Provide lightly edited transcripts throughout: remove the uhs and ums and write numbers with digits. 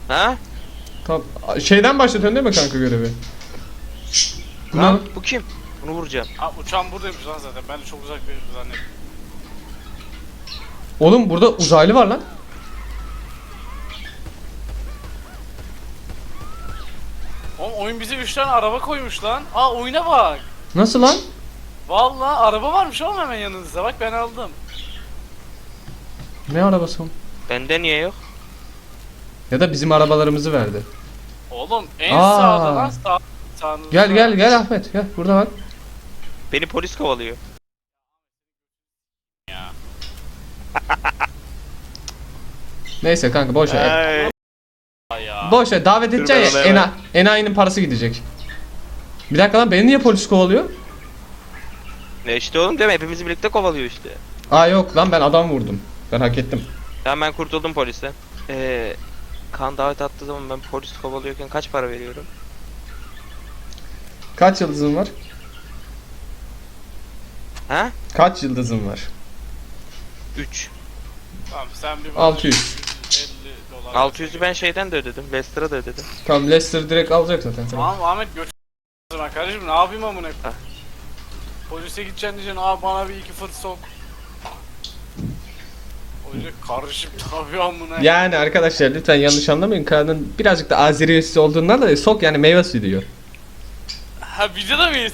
Ha? Tamam. Şeyden başlatıyorsun değil mi kanka görevi? Lan bu kim? Bunu vuracağım. Ha uçağım buradaymış lan zaten. Ben de çok uzak bir zannettim. Oğlum burada uzaylı var lan. Oğlum oyun bize 3 tane araba koymuş lan. Aa oyuna bak. Nasıl lan? Vallahi araba varmış oğlum hemen yanınızda. Bak ben aldım. Ne arabası o? Bende niye yok? Ya da bizim arabalarımızı verdi. Oğlum en Aa. sağda lan sağınızda. Gel Ahmet gel burada bak. Beni polis kovalıyor. Ya. Neyse kanka boş ver. Ay. Ay ya. Boş ver davet Dur, edeceksin ben ya enayinin parası gidecek. Bir dakika lan beni niye polis kovalıyor? Ne işte oğlum değil mi? Hepimizi birlikte kovalıyor işte. Aa yok lan ben adam vurdum. Ben hak ettim. Tamam ben kurtuldum polisten. Kan davet attığı zaman ben polis kovalıyorken kaç para veriyorum? Kaç yıldızın var? Ha? Kaç yıldızın var? 3. Tamam sen bir 600. 50 dolar. 600'ü ben şeyden de ödedim. Lester'a da ödedim. Tamam Leicester direkt alacak zaten. Tamam Ahmet göç. Ben kardeşim ne yapayım amına? Ha. Polise gideceksin diyeceksin abi bana bir iki fırt sok. Öyle karışıp tabii amına. Yani arkadaşlar lütfen yanlış anlamayın. Kaan'ın birazcık da Azeriyesi olduğundan da sok yani meyve suyu diyor. Ha videoda mıyız?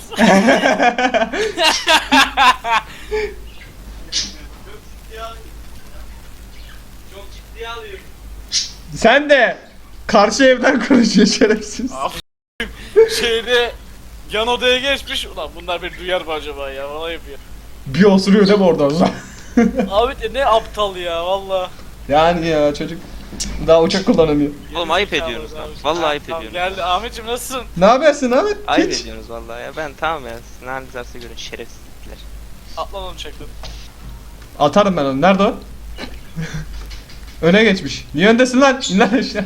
Çok ciddiye alıyorum. Sen de karşı evden konuşuyor şerefsiz. Abi şeyde yan odaya geçmiş. Ulan bunlar beni duyar mı acaba ya? Vallahi yapıyor. Bir osuruyor değil mi oradan? Abi de ne aptal ya valla. Yani ya çocuk daha uçak kullanamıyor. Oğlum ayıp ediyorsunuz lan. Vallahi ayıp Tamam, ediyorsunuz. geldi Ahmetciğim nasılsın? Ne yapıyorsun Ahmet? Ayıp Hiç. ediyorsunuz vallahi ya. Ben tamam ya. Siz ne haliniz varsa görün şerefsizlikler. Atlan onu çektim. Atarım ben onu. Nerede o? Öne geçmiş. Niye öndesin lan? İn lan aşağı.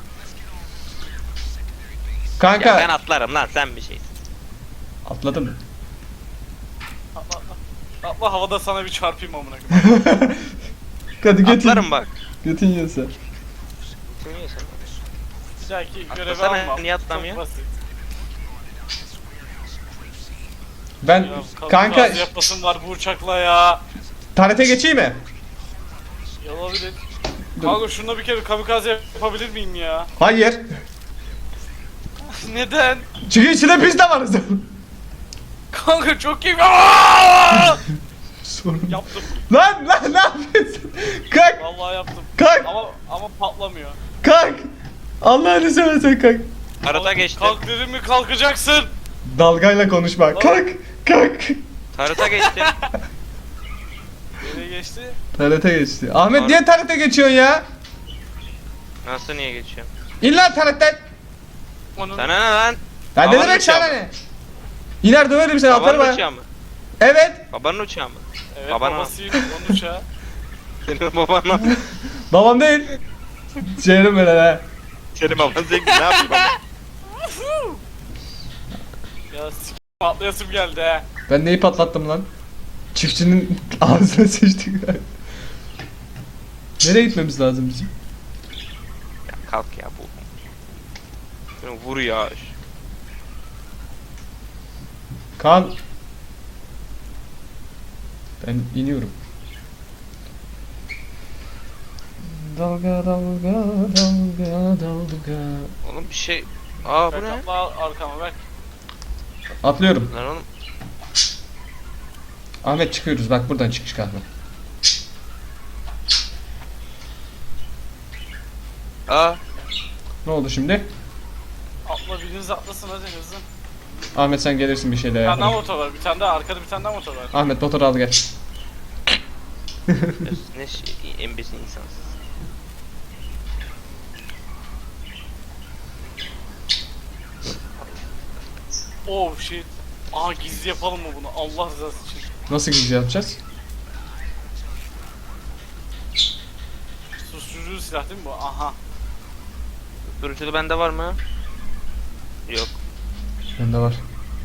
Kanka. Ya ben atlarım lan sen bir şeysin. Atladım. Atla atla. Atla havada sana bir çarpayım amına koyayım. Hadi götün. Atlarım bak. Götün yiyorsa. Kim yiyorsun? Bir dahaki görevi Atlasana, alma. niye atlamıyor? Çok basit. Ben Ya, kanka yapasım var bu uçakla ya. tarete geçeyim mi? Olabilir. Dur. Kanka şuna bir kere kamikaze yapabilir miyim ya? Hayır. Neden? Çünkü içinde biz de varız. Kanka çok iyi. Aa! Sorun. Yaptım. Lan ne yapıyorsun? Kalk Vallahi yaptım. kalk Ama patlamıyor. kalk. Allah'ını seversen kalk. Tarıta geçtim. Kalk dedim mi kalkacaksın. Dalgayla konuşma. Kalk kalk. Tarıta geçtim. Nereye geçti? Tarete geçti. Ahmet niye tarete geçiyorsun ya? Nasıl niye geçiyorum? İn lan taretten. Onun Sana ne lan? Ya ne Babanın demek uçağı sana mı? ne? İner döverim seni atarım Babanın ha. uçağı mı? Evet. Babanın uçağı mı? evet Babana. babasıyım onun uçağı. Senin baban mı? Babam değil. Şehrim böyle ha. Senin baban zengin ne yapayım baba? Ya s*** patlayasım geldi he. Ben neyi patlattım lan? Çiftçinin ağzına sıçtık. Nereye gitmemiz lazım bizim? Ya kalk ya bu. Şunu vur ya. Kaan. Ben iniyorum. Dalga dalga dalga dalga. Oğlum bir şey. Aa bu Bak ne? atla arkama bak. Atlıyorum. Lan oğlum. Ahmet çıkıyoruz bak buradan çıkış kahve. Aa. Ne oldu şimdi? Atla biriniz atlasın hadi hızlı. Ahmet sen gelirsin bir şeyle Bir tane daha ya. motor var. Bir tane daha arkada bir tane daha motor var. Ahmet motoru al gel. Ne şey, embesil insansız. Oh shit. Aa gizli yapalım mı bunu? Allah rızası için. Nasıl gizli yapacağız? Susturucu silah değil mi bu? Aha. Duruculu bende var mı? Yok. Bende var.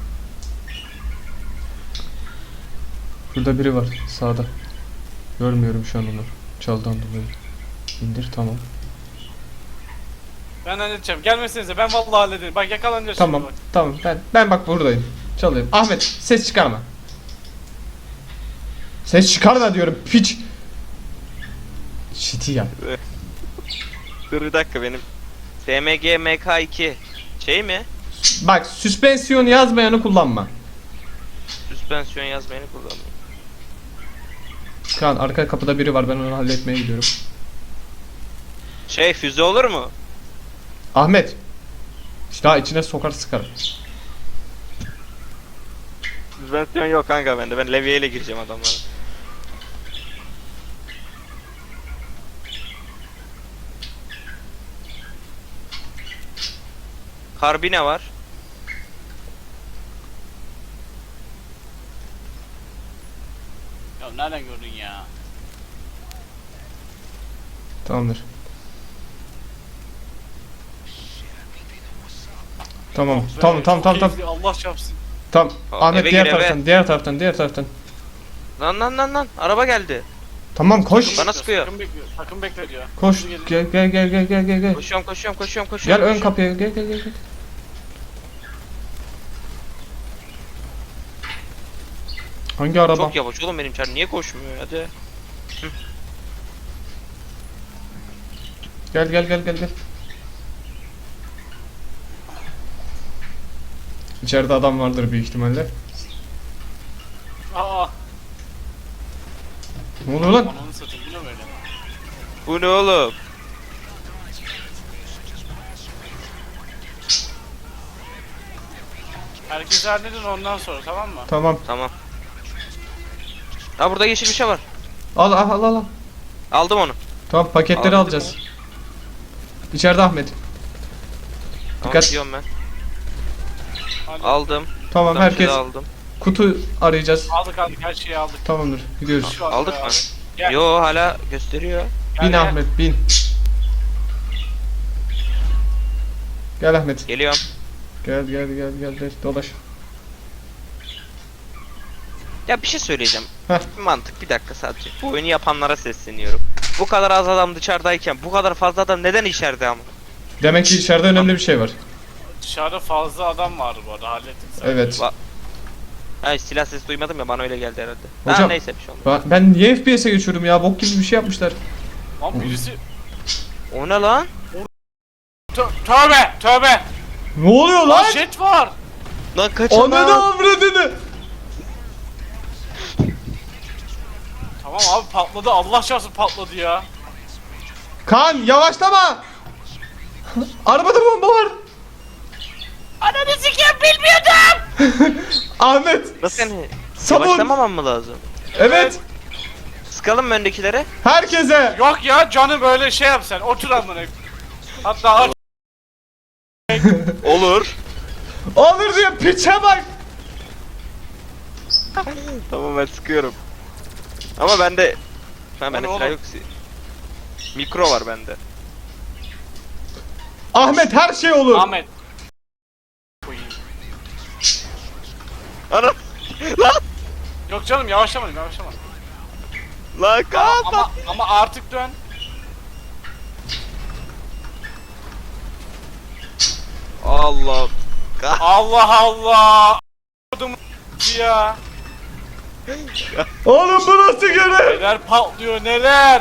Şurada biri var sağda. Görmüyorum şu an onu. Çaldan dolayı. İndir tamam. Ben halledeceğim. Gelmesenize ben vallahi hallederim. Bak yakalanacağız Tamam şimdi bak. tamam ben bak buradayım. Çalıyorum. Ahmet ses çıkarma. Ses çıkarma diyorum piç. Shit'i yap. Dur bir dakika benim. SMG MK2 şey mi? Bak süspansiyon yazmayanı kullanma. Süspansiyon yazmayını kullandım. Kaan arka kapıda biri var ben onu halletmeye gidiyorum. Şey füze olur mu? Ahmet. Daha içine sokar sıkar. Süspansiyon yok kanka bende. Ben levyeyle gireceğim adamlara. Karbine var. Ya nereden gördün ya? Tamamdır. Tamam tamam tamam tamam tamam. Keyifli, Allah çarpsın. Tamam. Aa, Ahmet eve diğer gir, eve. taraftan diğer taraftan. Lan. Araba geldi. Tamam koş. Bana sıkıyor. Takım bekle diyor. Koş. Hızlı gelin. Gel. Koşuyorum. Gel ön kapıya gel. Hangi araba? Çok yavaş oğlum benim çar niye koşmuyor hadi. Gel. İçeride adam vardır büyük ihtimalle. Aa. Ne oluyor lan? Ananı satayım bu ne böyle? Bu ne oğlum? Herkes halledin ondan sonra tamam mı? Tamam. Tamam. Ha burada yeşil bir şey var. Al. Aldım onu. Tamam paketleri Aldım. alacağız. İçeride Ahmet. Tamam Dikkat. gidiyorum ben. Hadi. Aldım. Tamam Buradan bir şey herkes de aldım. kutu arayacağız. Aldık her şeyi aldık. Tamamdır. Gidiyoruz. Şu anda Aldık abi. mı? Gel. Yo hala gösteriyor. Bin gel. Ahmet bin. Gel Ahmet. Geliyorum. Gel dolaş. Ya bir şey söyleyeceğim. Heh. Bir mantık bir dakika sadece. Bu oyunu yapanlara sesleniyorum. Bu kadar az adam dışarıdayken bu kadar fazla adam neden içeride ama? Demek ki içeride önemli bir şey var. Dışarıda fazla adam vardı bu arada hallettik zaten. Evet. Hayır silah sesi duymadım ya bana öyle geldi herhalde. Hocam, Ha, neyse bir şey olmaz. Ben niye FPS'e geçiyorum ya? Bok gibi bir şey yapmışlar. Lan birisi... O ne lan? Tövbe! Ne oluyor Lan lan? jet var! Lan kaçın Ananı lan. avradını. Tamam abi patladı Allah çarpsın patladı ya. Kaan yavaşlama. Arabada bomba var. Ananı sikeyim bilmiyordum! Ahmet. Nasıl yani? Sabun. Yavaşlamamam mı lazım? Evet. Sıkalım mı öndekilere? Herkese. Yok ya canı böyle şey yap sen otur amına. Hatta aç. Olur. Olur diyor piçe bak. Tamam ben sıkıyorum. Ama bende... Ha bende Oğlum. silah yok. Mikro var bende. Ahmet her şey olur. Ahmet. Koyayım. Ana! Lan! Yok canım yavaşlama. Lan kapat! Ama artık dön. Allah! Allah! Kodum ya. Oğlum bu nasıl görev? Neler patlıyor neler.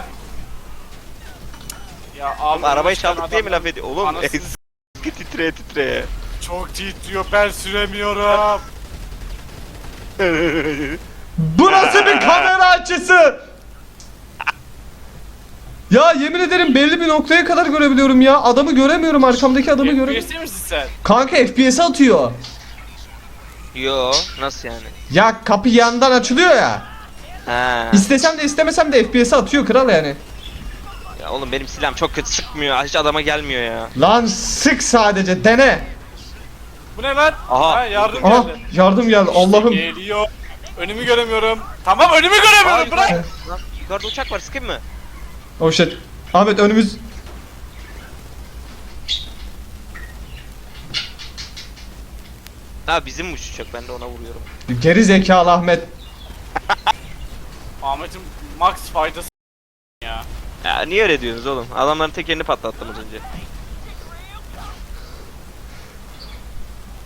Ya abi Arabayı çıkan çaldık diye mi adamlar- laf ediyor? Oğlum Anasını titreye. Çok titriyor ben süremiyorum. Bu nasıl bir kamera açısı? Ya yemin ederim belli bir noktaya kadar görebiliyorum ya. Adamı göremiyorum, arkamdaki adamı göremiyorum. FPS misin sen? Kanka FPS atıyor. Yo nasıl yani? Ya kapı yandan açılıyor ya. Ha. İstesem de istemesem de FPS atıyor kral yani. Ya oğlum benim silahım çok kötü sıkmıyor. Hiç adama gelmiyor ya. Lan sık sadece dene. Bu ne lan? Aha. Ha, yardım Aha geldi. yardım geldi Allah'ım. Geliyor. Önümü göremiyorum. Tamam önümü göremiyorum bırak. Lan yukarıda uçak var sıkayım mı? Oh shit. Ahmet önümüz. Ha bizim uçacak ben de ona vuruyorum. Geri zekalı Ahmet. Ahmet'in max faydası ya. Ya niye öyle diyorsunuz oğlum? Adamların tekerini patlattım az önce.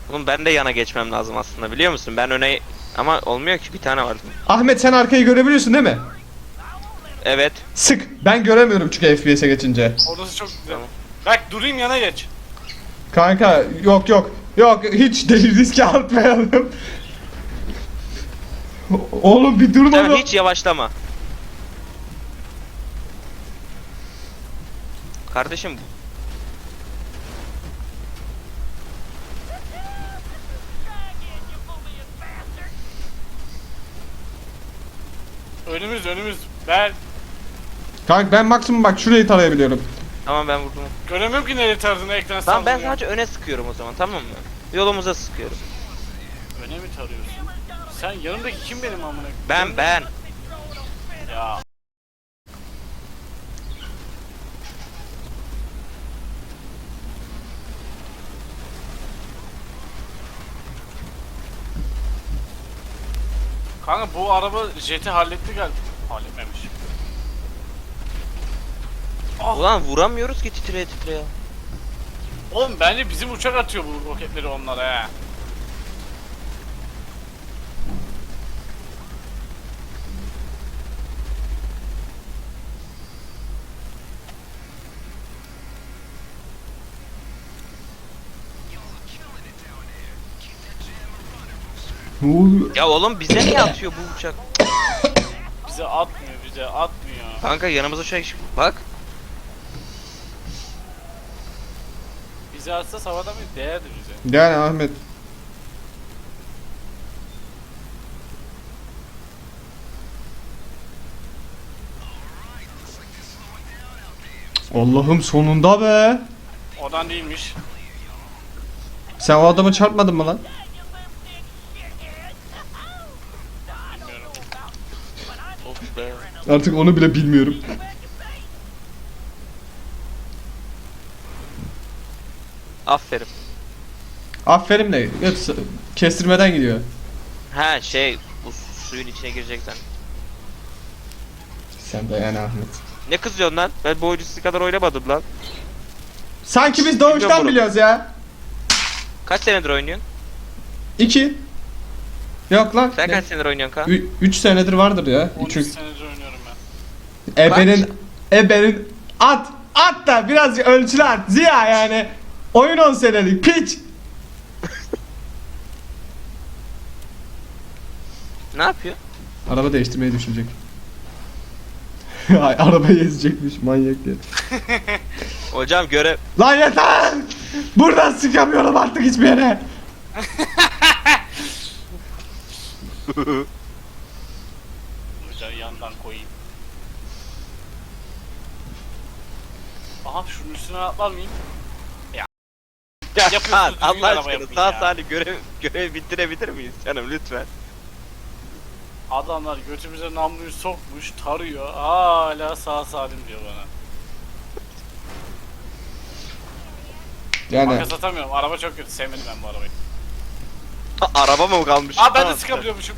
Oğlum ben de yana geçmem lazım aslında biliyor musun? Ben öne ama olmuyor ki bir tane var. Ahmet sen arkayı görebiliyorsun değil mi? Evet. Sık. Ben göremiyorum çünkü FPS'e geçince. Orası çok güzel. Tamam. Bak durayım yana geç. Kanka yok yok. Yok hiç değil riske atmayalım. Oğlum bir durma Tamam, mı? hiç yavaşlama. Kardeşim Önümüz. Ben Kanka ben maksimum bak şurayı tarayabiliyorum. tamam ben vurdum. göremiyorum ki nereye taradığını ekran Tamam ben sallıyor. sadece öne sıkıyorum o zaman tamam mı? Yolumuza sıkıyorum. Öne mi tarıyorsun? Sen yanımdaki kim benim amına? Ben. Ya. Kanka bu araba jeti halletti galiba. Halletmemiş. Ah, Ulan vuramıyoruz ki titreye titreye. oğlum bence bizim uçak atıyor bu roketleri onlara he. Ne oluyor? Ya oğlum bize niye atıyor bu uçak? Bize atmıyor. Kanka yanımıza şey bak. Bize atsa savadan bir değerdi bize. Yani Ahmet. Allah'ım sonunda be. Odan değilmiş. Sen o adamı çarpmadın mı lan? Bilmiyorum. Of be. Artık onu bile bilmiyorum. Aferin. Aferin de yok, kestirmeden gidiyor. Ha şey bu suyun içine gireceksen. Sen de yani Ahmet. Ne kızıyorsun lan? Ben bu oyunu sizin kadar oynamadım lan. Sanki biz Bilmiyorum doğuştan bunu. biliyoruz ya. Kaç senedir oynuyorsun? 2. Yok lan. Sen kaç senedir oynuyorsun kan? 3 senedir vardır ya. 13 Çünkü senedir oynuyorum ben. ebenin at da biraz ölçülü at. Ziya yani. Oyun 10 senelik piç. Ne yapıyor? Araba değiştirmeyi düşünecek. Ay, arabayı ezecekmiş manyak ya. Hocam görev. Lan yeter! Buradan sıkamıyorum artık hiçbir yere. Hocam yandan koyayım. Aha şunun üstüne atlar mıyım? Ya Yapıyorsunuz, Kaan, düzgün Allah araba aşkına yapın sağ ya. salim görev bitirebilir miyiz canım lütfen? Adamlar götümüze namluyu sokmuş, tarıyor. Hala sağ salim diyor bana. Yani Makas atamıyorum. Araba çok kötü. Sevmedim ben bu arabayı. Araba mı kalmış? Aa ben de Tamam. sıkabiliyormuşum.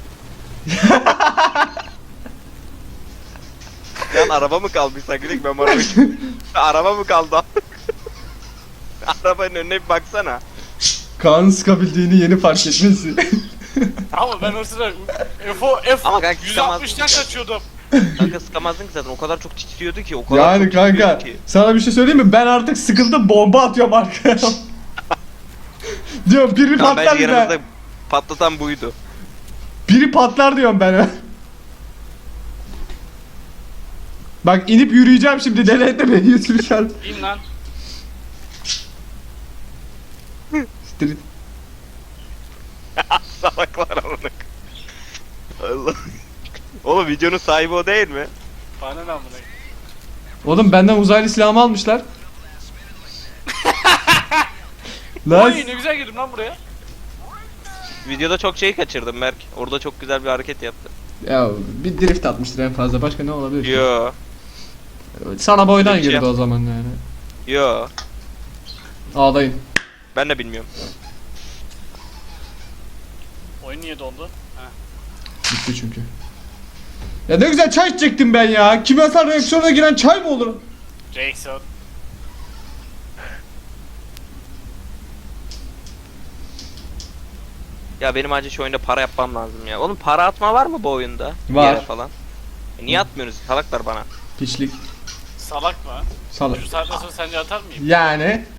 Lan araba mı kalmış sanki ben bu arabayı... Araba mı kaldı? Arabanın önüne bir baksana. Kaan'ın sıkabildiğini yeni fark etmesi. Ama ben o sıra Ama kanka sıkamazsın 160'tan ki. kaçıyordum. Kanka sıkamazdın ki zaten o kadar çok titriyordu ki o kadar Yani çok kanka titriyordu ki. sana bir şey söyleyeyim mi? Ben artık sıkıldım bomba atıyorum arkaya. Diyorum biri Tamam patlar bence bir yanımızda de. patlatan buydu. Biri patlar diyorum ben. Bak inip yürüyeceğim şimdi denetme beni yürüyeceğim. İn lan. Street. Salaklar amına. Allah. Oğlum videonun sahibi o değil mi? Bana ne amına. Oğlum benden uzaylı silahımı almışlar. Lan Oy ne güzel girdim lan buraya. Videoda çok şey kaçırdım Berk. Orada çok güzel bir hareket yaptı. ya bir drift atmıştır en fazla başka ne olabilir ki? Yo. Sana boydan Hiç girdi yap- o zaman yani. Yo. Ağlayın. Ben de bilmiyorum. Oyun niye dondu? Ha. Bitti çünkü. Ya ne güzel çay içecektim ben ya. Kimyasal reaksiyona giren çay mı olur? Jackson. Ya benim acil şu oyunda para yapmam lazım ya. Oğlum para atma var mı bu oyunda? Bir Var. yere falan. Niye atmıyorsunuz? Salaklar bana. Piçlik. Salak mı? Salak. Şu saatten sonra sence atar mıyım? Yani